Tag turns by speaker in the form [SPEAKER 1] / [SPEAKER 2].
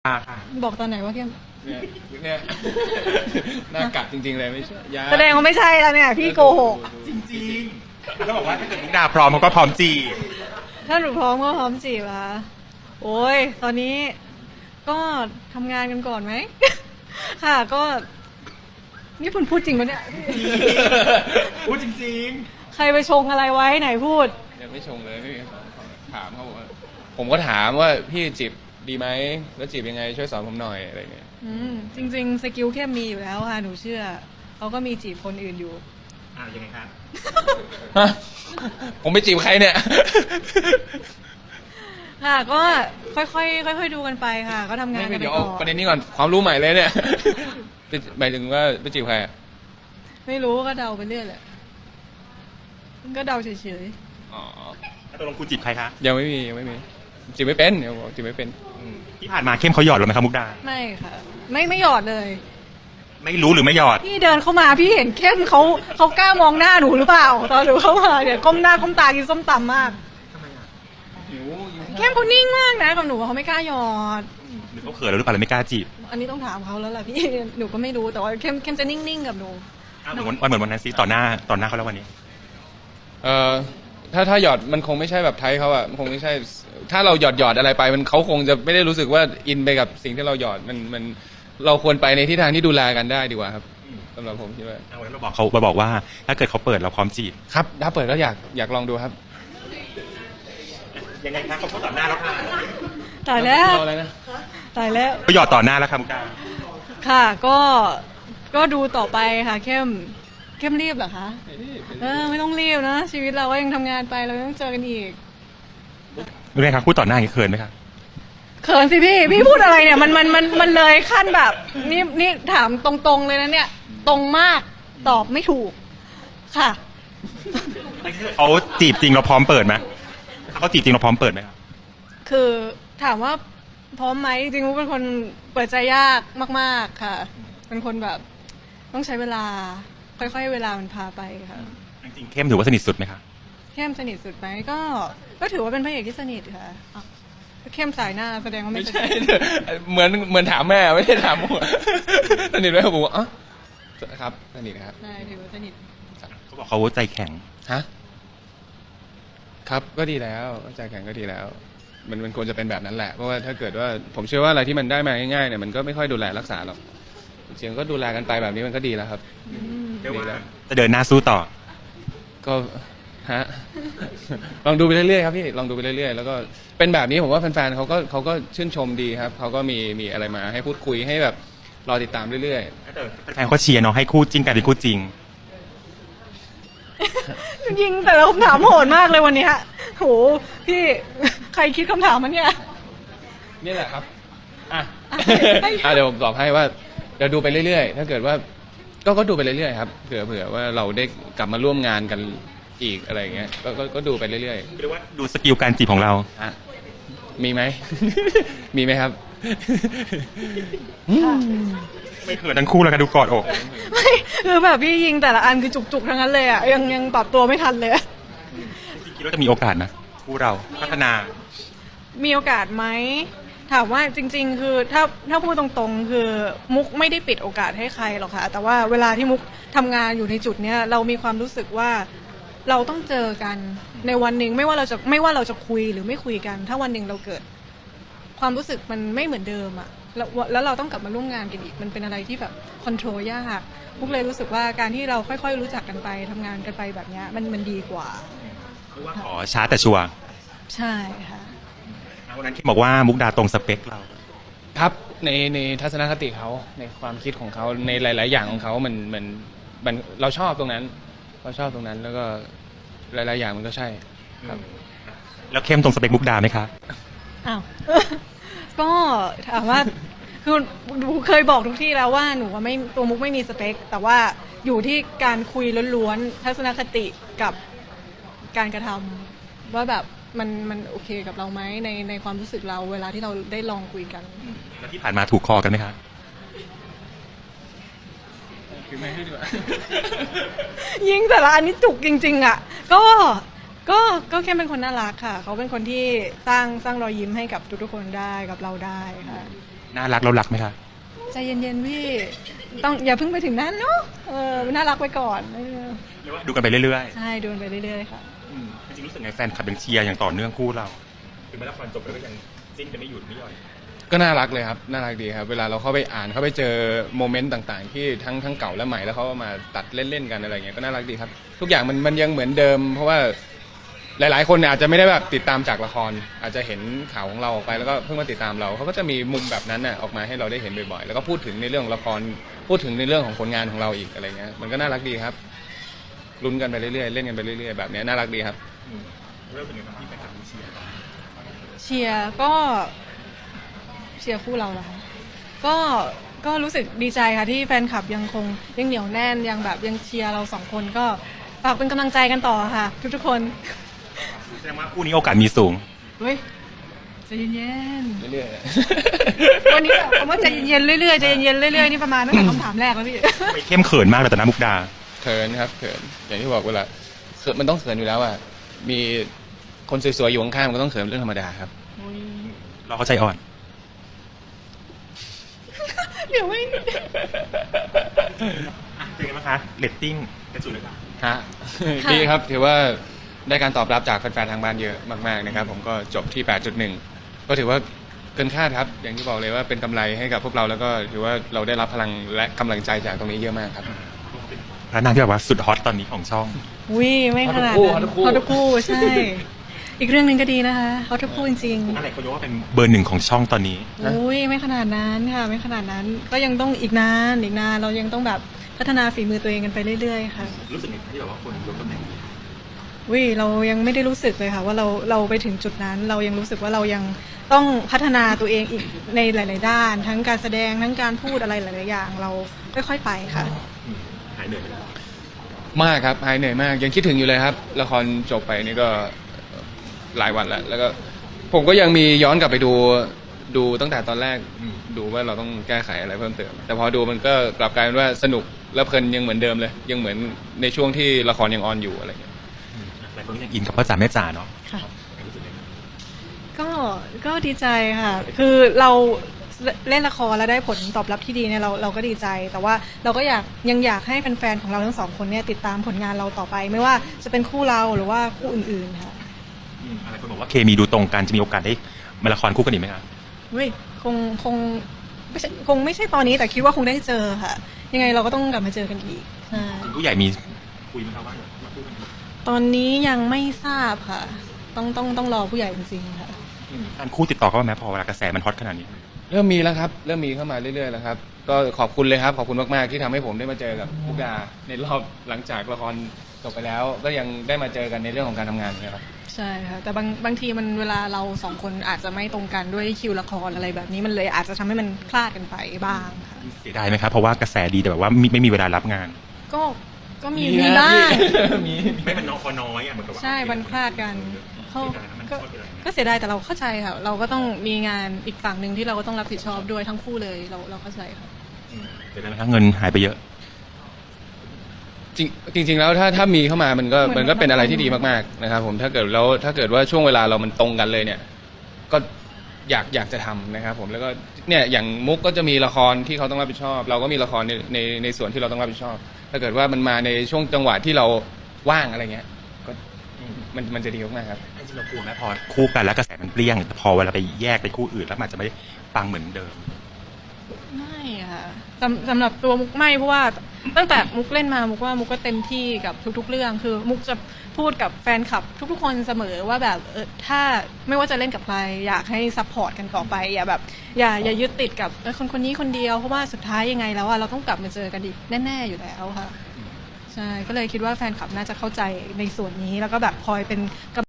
[SPEAKER 1] ค่ะ
[SPEAKER 2] บอกตอนไหนว่าเข้ม
[SPEAKER 3] เนี่ยน่ากัดจริงๆเลยไม่ใช่ยา
[SPEAKER 2] แสดงว่าไม่ใช่แล้วเนี่ยพี่โกหก
[SPEAKER 1] จริงๆแล้วบอกว่าถ้าเกิดมุกดาพร้อมเขาก็พร้อมจีบ
[SPEAKER 2] ถ้าหนูพร้อมก็พร้อมจีบละโอ้ยตอนนี้ก็ทำงานกันก่อนไหม ค่ะก็นี่คุณพูดจริงปะเนี่ย
[SPEAKER 1] พูดจริง
[SPEAKER 2] ใครไปชงอะไรไว้ไหนพูด
[SPEAKER 3] ยังไม่ชงเลยพี่ถามเขาบอกว่าผมก็ถามว่าพี่จีบดีไหมแล้วจีบยังไงช่วยสอนผมหน่อยอะไรเงี้ย
[SPEAKER 2] จริงๆสกิลเข้มมีอยู่แล้วค่ะหนูเชื่อเขาก็มีจีบคนอื่นอยู่
[SPEAKER 1] ยังไงครับ
[SPEAKER 3] ผมไปจีบใครเนี่ย
[SPEAKER 2] ค่ะก็ค่อยๆดูกันไปค่ะก็ทำงานกันไปก่อน
[SPEAKER 3] เดี๋ยวประเด็นนี้ก่อนความรู้ใหม่เลยเนี่ยหมายถึงว่าไปจีบใคร
[SPEAKER 2] ไม่รู้ก็เดาไปเรื่อยแหละก็เดาเฉย
[SPEAKER 3] ๆอ๋อ
[SPEAKER 1] ตกลงคุณจีบใครคะ
[SPEAKER 3] ยังไม่มีจีบไม่เป็นเดี๋ยวจีบไม่เป็น
[SPEAKER 1] ที่ผ่านมาเข้มเขาหยอดหรือไม่ครับมุกดา
[SPEAKER 2] ไม่ค่ะไม่หยอดเลย
[SPEAKER 1] ไม่รู้หรือไม่หยอด
[SPEAKER 2] พี่เดินเข้ามาพี่เห็นเข้มเขากล้ามองหน้าหนูหรือเปล่าตอนหนูเข้ามาเนี่ยก้มหน้าก้มตากินส้มตำมากเข้มเขานิ่งมากนะกับหนูเขาไม่กล้าหยอด
[SPEAKER 1] หรือเขาเขินหรือเปล่าเลยไม่กล้าจีบ
[SPEAKER 2] อันนี้ต้องถามเขาแล้วล่ะพี่หนูก็ไม่รู้แต่ว่าเข้มจะนิ่งๆกับหนู
[SPEAKER 1] เหมือนวันนั้นซิต่อหน้าเขาแล้ววันนี้
[SPEAKER 3] ถ้าหยอดมันคงไม่ใช่แบบไทยเขาอะมันคงไม่ใช่ถ้าเราหยอดอะไรไปมันเขาคงจะไม่ได้รู้สึกว่าอินไปกับสิ่งที่เราหยอดมันเราควรไปในทิศทางที่ดูแลกันได้ดีกว่าครับสำหรับผมคิดว่า
[SPEAKER 1] เราบอกว่าถ้าเกิดเขาเปิดเราพร้อมจีบ
[SPEAKER 3] ครับถ้าเปิดก็อยากลองดูครับ
[SPEAKER 1] ยังไงครับเขาพูดต่อหน้าแล้วค่ะ
[SPEAKER 2] ตายแล้วตายแล้ว
[SPEAKER 1] ก็หยอดต่อหน้าแล้วค่ะมุกดา
[SPEAKER 2] ค่ะก็ดูต่อไปค่ะเข้มรีบเหรอคะไม่ต้องรีบนะชีวิตเราก็ยังทำงานไปเราต้องเจอกันอีก
[SPEAKER 1] เป็นไงครับพูดต่อหน้าอย่างนี้เขินไหมครับ
[SPEAKER 2] เขินสิพี่พูดอะไรเนี่ยมันเลยขั้นแบบนี่ถามตรงๆเลยนะเนี่ยตรงมากตอบไม่ถูกค่ะ
[SPEAKER 1] เขาจีบจริงเราพร้อมเปิดไหมเขาจีบจริงเราพร้อมเปิดไหมครับ
[SPEAKER 2] คือถามว่าพร้อมไหมจริงๆเป็นคนเปิดใจยากมากๆค่ะเป็นคนแบบต้องใช้เวลาค่อยๆเวลามันพาไปค่ะ
[SPEAKER 1] จริงๆเข้มถือว่าสนิทสุดไหมคะ
[SPEAKER 2] เข้มสนิทสุดไหมก็ถือว่าเป็นพระเอกที่สนิทค่ะเข้มสายหน้าแสดงว่าไม่ใช่
[SPEAKER 3] เหมือนถามแม่ไม่ใช่ถามผมสนิทไหมผมบอกครับสนิทครับ
[SPEAKER 2] ใช่ถือว่าสนิท
[SPEAKER 1] เขาบอกเขาใจแข็ง
[SPEAKER 3] ฮะครับก็ดีแล้วใจแข็งก็ดีแล้วมันควรจะเป็นแบบนั้นแหละเพราะว่าถ้าเกิดว่าผมเชื่อว่าอะไรที่มันได้มาง่ายๆเนี่ยมันก็ไม่ค่อยดูแลรักษาหรอกเสียงก็ดูแลกันไปแบบนี้มันก็ดีแล้วครับ
[SPEAKER 1] ดีแล้วจะเดินหน้าสู้ต่อ
[SPEAKER 3] ก็ลองดูไปเรื่อยๆครับพี่ลองดูไปเรื่อยๆแล้วก็เป็นแบบนี้ผมว่าแฟนๆเขาก็ชื่นชมดีครับเขาก็มีอะไรมาให้พูดคุยให้แบบรอติดตามเรื่อย
[SPEAKER 1] ๆแฟนเขาเชียร์เนาะให้คู่จริงกันเป็นคู่จริง
[SPEAKER 2] ยิงแต่ละคำถามโหดมากเลยวันนี้ฮะโหพี่ใครคิดคำถามมันเนี่ย
[SPEAKER 3] นี่แหละครับเดี๋ยวผมตอบให้ว่าเดี๋ยวดูไปเรื่อยๆถ้าเกิดว่าก็ดูไปเรื่อยๆครับเผื่อว่าเราได้กลับมาร่วมงานกันอีกอะไรอย่างเงี้ยก็ดูไปเรื่อยๆเรียก
[SPEAKER 1] ว่าดูสกิลการจีบของเรา
[SPEAKER 3] มีไหม มีไหมครับ
[SPEAKER 1] ไม่เขินทั้งคู่แล้วกันดูกอดอก
[SPEAKER 2] ไม่คือแบบพี่ยิงแต่ละอันคือจุกๆทั้งนั้นเลยอ่ะยังปรับตัวไม่ทันเลย
[SPEAKER 1] คิดว่าจะมีโอกาสนะคู่เราพัฒนา
[SPEAKER 2] มีโอกาสไหมถามว่าจริงๆคือถ้าพูดตรงๆคือมุกไม่ได้ปิดโอกาสให้ใครหรอกค่ะแต่ว่าเวลาที่มุกทำงานอยู่ในจุดเนี้ยเรามีความรู้สึกว่าเราต้องเจอกันในวันหนึ่งไม่ว่าเราจะคุยหรือไม่คุยกันถ้าวันหนึ่งเราเกิดความรู้สึกมันไม่เหมือนเดิมอ่ะแล้วเราต้องกลับมาร่วมงานกันอีกมันเป็นอะไรที่แบบคอนโทรลยากมุกเลยรู้สึกว่าการที่เราค่อยๆรู้จักกันไปทำงานกันไปแบบนี้มันดีกว่า
[SPEAKER 1] ขอช้าแต่ชัวร์
[SPEAKER 2] ใช่ค่ะ
[SPEAKER 1] วันนั้นที่บอกว่ามุกดาตรงสเปคเรา
[SPEAKER 3] ครับในทัศนคติเขาในความคิดของเขาในหลายๆอย่างของเขามันเราชอบตรงนั้นแล้วก็หลายๆอย่างมันก็ใช่ครับ
[SPEAKER 1] แล้วเข้มตรงสเปคมุกดาไหมคะ
[SPEAKER 2] อ้าวก็ถามว่าคือเคยบอกทุกที่แล้วว่าหนูว่าไม่ตัวมุกไม่มีสเปคแต่ว่าอยู่ที่การคุยล้วนๆทัศนคติกับการกระทำว่าแบบมันโอเคกับเราไหมในความรู้สึกเราเวลาที่เราได้ลองคุยกัน
[SPEAKER 1] แล้วที่ผ่านมาถูกคอกันไหมคะ
[SPEAKER 3] คือไม่ให้ดีกว่า
[SPEAKER 2] ยิงแต่ละอันนี้จุกจริงๆอ่ะก็แค่เป็นคนน่ารักค่ะเขาเป็นคนที่สร้างรอยยิ้มให้กับทุกๆคนได้กับเราได้ค่ะ
[SPEAKER 1] น่ารักเรารักไหมคะ
[SPEAKER 2] ใจเย็นๆพี่ต้องอย่าเพิ่งไปถึงนั้นเนาะน่ารักไปก่อน
[SPEAKER 1] หรือว่าดูกันไปเรื่อย
[SPEAKER 2] ใช่ดูไปเรื่อยๆค่ะ
[SPEAKER 1] ๆจริงๆรู้สึกไงแฟนคลับยังเชียร์อย่างต่อเนื่องคู่เราถึงแม้ละครจบแล้วก็ยังจิ้นกันไม่หยุดไม่หย่อน
[SPEAKER 3] ก็น่ารักเลยครับน่ารักดีครับเวลาเราเข้าไปอ่านเข้าไปเจอโมเมนต์ต่างๆ ที่ทั้งเก่าและใหม่แล้วเขาเอามาตัดเล่นๆกันอะไรเงี้ยก็น่ารักดีครับทุกอย่างมันยังเหมือนเดิม เพราะว่าหลายๆคนเนี่ยอาจจะไม่ได้แบบติดตามจากละคร อาจจะเห็นข่าวของเราออกไปแล้วก็เพิ่งมาติดตามเราเขาก็จะมีมุมแบบนั้นน่ะออกมาให้เราได้เห็นบ่อยๆแล้วก็พูดถึงในเรื่องของละครพูดถึงในเรื่องของผลงานของเราอีกอะไรเงี้ยมันก็น่ารักดีครับลุ้นกันไปเรื่อยๆเล่นกันไปเรื่อยๆแบบเนี้ยน่ารักดีครับ
[SPEAKER 1] เริ่มเป็นยังไงที่แฟนคลับเชียร์
[SPEAKER 2] เชียร์ก็เชียร์คู่เราแล้วก็รู้สึกดีใจค่ะที่แฟนคลับยังคงยังเหนียวแน่นยังแบบยังเชียร์เราสองคนก็ฝากเป็นกำลังใจกันต่อค่ะ ทุกๆคน
[SPEAKER 1] แสดงว่าคู่นี้โอกาสมีสูง
[SPEAKER 2] เฮ้ยใจเย็น
[SPEAKER 3] เรื่อย
[SPEAKER 2] ๆวันนี้แบบคำว่าใจเย็นๆเรื่อยๆใจเย็นๆเรื่อยๆนี่ประมาณตั้งแต่คำถามแรกแล้วพี่
[SPEAKER 1] ไปเข้มเขินมากเลยแต่นะมุกดา
[SPEAKER 3] ๆเขินครับเขินอย่างที่บอกเวลาเขินมันต้องเขินอยู่แล้วอ่ะมีคนสวยๆอยู่ข้างๆมันก็ต้องเขินเป็นเรื่องธรรมดาครับ
[SPEAKER 1] เราเข้าใจอ่อน
[SPEAKER 2] เดี๋ยวไม่
[SPEAKER 1] เป็นไงบ้างคะเรตติ้งกระจุยเลยค่ะ
[SPEAKER 3] ฮะ ดีครับถือว่าได้การตอบรับจากแฟนๆทางบ้านเยอะมากๆนะครับผมก็จบที่ 8.1 ก็ถือว่าเกินคาดครับ อย่างที่บอกเลยว่าเป็นกำไรให้กับพวกเราแล้วก็ถือว่าเราได้รับพลังและกำลังใจจากตรงนี้เยอะมากครับ
[SPEAKER 1] พระนางที่แบบว่าสุดฮอตตอนนี้ของช่อง
[SPEAKER 2] วิไม่ขนาด
[SPEAKER 3] ฮอ
[SPEAKER 2] นั้น
[SPEAKER 3] ตทุกคู่
[SPEAKER 2] ฮอตทุกคู่ใช่ อีกเรื่องหนึ่งก็ดีนะคะฮอตทุกคู่จริงๆ
[SPEAKER 1] อะไรเขายกว่าเป็นเบอร์หนึ่งของช่องตอนนี้
[SPEAKER 2] อุ้ยไม่ขนาดนั้นค่ะไม่ขนาดนั้นก็ยังต้องอีกนานเรายังต้องแบบพัฒนาฝีมือตัวเองกันไปเรื่อยๆค่ะ
[SPEAKER 1] รู้สึกไงที่แบบว่าคนยกตำแหน่งนี้
[SPEAKER 2] วิเรายังไม่ได้รู้สึกเลยค่ะว่าเราไปถึงจุดนั้น เรายังรู้สึกว่าเรายังต้องพัฒนาตัวเองอีกในหลาย ๆ ด้าน ทั้งการแสดงทั้งการพูดอะไรหลายๆอย่าง เราค่อยๆไปค่ะ
[SPEAKER 1] หายเหนื่อยไหม
[SPEAKER 3] มากครับหายเหนื่อยมากยังคิดถึงอยู่เลยครับละครจบไปนี่ก็หลายวันแล้วแล้วก็ผมก็ยังมีย้อนกลับไปดูตั้งแต่ตอนแรกดูว่าเราต้องแก้ไขอะไรเพิ่มเติมแต่พอดูมันก็กลับกลายเป็นว่าสนุกและเพลินยังเหมือนเดิมเลย ยังเหมือนในช่วงที่ละครยังออนอยู่อะไรอย่างเงี้ย
[SPEAKER 1] หลายคนยังอินกับพ่อจ๋าแม่จ๋าเนาะ
[SPEAKER 2] ค่ะ ก็ดีใจค่ะ คือเราเล่นละครแล้วได้ผลตอบรับที่ดีเนี่ยเราก็ดีใจ แต่ว่าเราก็ยังอยากให้แฟนๆของเราทั้งสองคนเนี่ยติดตามผลงานเราต่อไป ไม่ว่าจะเป็นคู่เราหรือว่าคู่อื่นๆค่ะ
[SPEAKER 1] อะไรคนบอกว่าเคมีดูตรงกันจะมีโอกาสได้มาละครคู่กันอีกไหมคะ
[SPEAKER 2] เฮ้ยคงไม่ใช่ตอนนี้แต่คิดว่าคงได้เจอค่ะ ยังไงเราก็ต้องกลับมาเจอกันอีกใช่
[SPEAKER 1] ผู้ใหญ่มีคุยไหมครับว่ามาคู่กัน
[SPEAKER 2] ตอนนี้ยังไม่ทราบค่ะ ต้องรอผู้ใหญ่จริงๆค่ะ
[SPEAKER 1] การคู่ติดต่อเข้ามาไหมพอเวลากระแสมันฮอตขนาดนี้
[SPEAKER 3] เริ่มมีแล้วครับเริ่มมีเข้ามาเรื่อยๆแล้วครับก็ขอบคุณเลยครับขอบคุณมากๆที่ทำให้ผมได้มาเจอกับมุกดาในรอบหลังจากละครจบไปแล้ว ก็ยังได้มาเจอกันในเรื่องของการทำงานนะครับ
[SPEAKER 2] ใช่ค่ะแต่บางทีมันเวลาเราสองคนอาจจะไม่ตรงกันด้วยคิวละครอะไรแบบนี้มันเลยอาจจะทำให้มันคลาดกันไปบ้างค่ะ
[SPEAKER 1] เสียดายไหมครับเพราะว่ากระแสดีแต่แบบว่าไม่มีเวลารับงาน
[SPEAKER 2] ก็มี
[SPEAKER 3] นะ
[SPEAKER 2] บ้าง
[SPEAKER 3] มี
[SPEAKER 1] ไม่มันน้อยอ่ะเหมือนกับว่า
[SPEAKER 2] ใช่มันคลาดกันก็เสียดายแต่เราเข้าใจค่ะ เราก็ต้องมีงานอีกฝั่งหนึ่งที่เราก็ต้องรับผิดชอบด้วยทั้งคู่เลยเราเข้าใจค่ะ
[SPEAKER 1] เสียดายไหมครับเงินหายไปเยอะ
[SPEAKER 3] จริงๆแล้วถ้ามีเข้ามามันก็เป็นอะไรที่ดีมากๆนะครับผมถ้าเกิดว่าช่วงเวลาเรามันตรงกันเลยเนี่ยก็อยากจะทำนะครับผมแล้วก็เนี่ยอย่างมุกก็จะมีละครที่เขาต้องรับผิดชอบ เราก็มีละครในส่วนที่เราต้องรับผิดชอบ ถ้าเกิดว่ามันมาในช่วงจังหวะที่เราว่างอะไรเงี้ยก็มันจะดีมากๆครับ
[SPEAKER 1] จริงๆเรากลัวไหมพอคู่กันแล้วกระแสมันเปรี้ยงแต่พอเวลาไปแยกไปคู่อื่นแล้วมันอาจจะไม่ปังเหมือนเดิม
[SPEAKER 2] ไม่ค่ะสำหรับตัวมุกไม่เพราะว่าตั้งแต่มุกเล่นมามุกว่ามุกก็เต็มที่กับทุกๆเรื่องคือมุกจะพูดกับแฟนคลับทุกๆคนเสมอว่าแบบถ้าไม่ว่าจะเล่นกับใครอยากให้ซัพพอร์ตกันต่อไปอย่าแบบอย่ายึดติดกับคนนี้คนเดียวเพราะว่าสุดท้ายยังไงแล้วเราต้องกลับมาเจอกันอีกแน่ๆอยู่แล้วค่ะใช่ก็เลยคิดว่าแฟนคลับน่าจะเข้าใจในส่วนนี้แล้วก็แบบคอยเป็น